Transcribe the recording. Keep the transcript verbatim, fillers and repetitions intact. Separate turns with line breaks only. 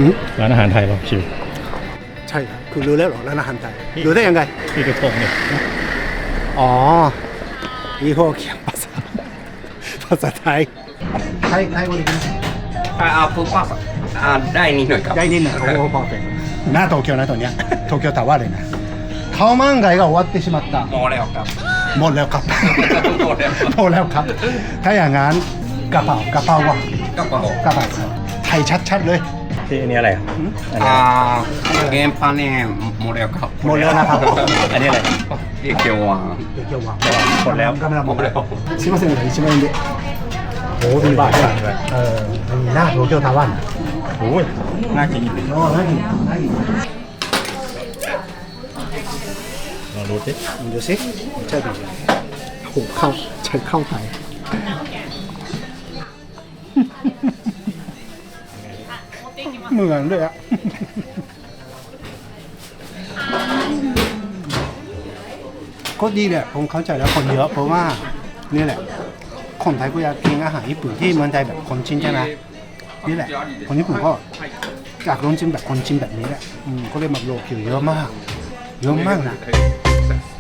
ร้านอาหารไทยเราชิว
ใช่ครับคุณรู้แล้วเหรอร้านอาหารไทยรู้ได้ยังไง
ที่กระทงเนี่ย
อ๋อยี่ห้อเขียนภาษาภาษาไทยไทยไทยวันนี้
เอาปุ๊บก็ได้นิดหน่อยครับ
ได้นิดหน่อยโอ้โหพอเป็นหน้าโตเกียวนะตอนเนี้ยโตเกียวตาว่าเลยนะข้าวมันไก่ก็終わってしまった
หมดแล้วครับ
หมดแล้วครับ
หมดแล้ว
หมดแล้วครับ ถ้าอย่างนั้นกระเป๋ากระเป๋าวะ
กระเป๋าก
ระเป๋าครับไทยชัดๆเลย
ที่อันนี้อะไรครับอันนี้
อ่าเกมปันเนี่ยหมดแล้วครับ
หมดแล้วนะครับ
อันนี้อะไร
เกียวหวาน
เดี๋ยวเกี่ยววะ
หมดแล้ว
กำลังหมด
หมดแล้
แล้ว วすいませんいちまん円でโอ้มีบาทด้วยเออมีหน้าโตเกียวตาวัน
โอ้ยน่ากินอยู่
โอ้น่ากินน่ากิน
ลองดูสิ
ดูสิใช่ดีโหเข้าใช้เข้าไทยเหมือนเลยอะก็ดีแหละผมเข้าใจแล้วคนเยอะเพราะว่านี่แหละคนไทยก็อยากกินอาหารญี่ปุ่นที่เมืองไทยแบบคนจีนใช่ไหมนี่แหละคนญี่ปุ่นก็อยากลองชิมแบบคนจีนแบบนี้แหละอืมก็เลยมาโลคิวเยอะมากเยอะมากนะ